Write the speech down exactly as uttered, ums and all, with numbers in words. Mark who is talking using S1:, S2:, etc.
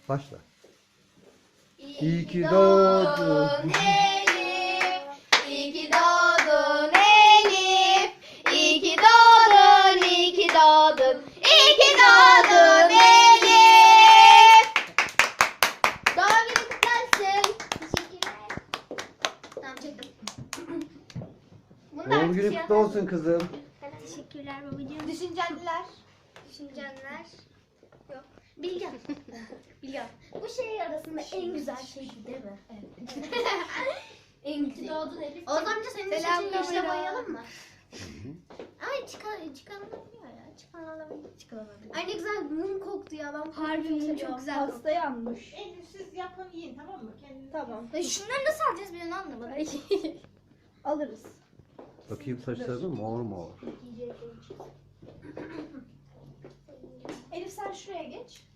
S1: Başla.
S2: İyi ki doğdun Elif, iyi ki doğdun Elif, iyi ki doğdun, iyi ki doğdun, iyi ki doğdun Elif. Doğum günün kutlu olsun. Teşekkürler. Tamam çektim. Bunu da
S1: Doğum
S2: artık
S1: günün
S2: şey
S1: kutlu
S2: yaparız.
S1: olsun kızım.
S2: Teşekkürler babacığım. Düşüncenler. Düşüncenler. Yok. Bilgen. Bilgen. Bu şey arasında en güzel şey değil mi? Evet. En güzel. Doğdun Elif. Oğuz amca senin de
S3: Selam
S2: saçını yeşile
S3: kamera.
S2: boyayalım mı? Ay çıkar, çıkarılabiliyor ya. Çıkarılabiliyor. Çıkarılabiliyor. Ay ne güzel mum koktu ya. Ben
S3: Harbiden çok güzel. Hasta yanmış.
S4: Elif siz yapın yiyin tamam mı? Kendiniz
S3: Tamam.
S2: Ya şunları nasıl alacağız bir onu anlamadım.
S3: Alırız.
S1: Bakayım saçlarına mor mor.
S4: Elif sen şuraya geç.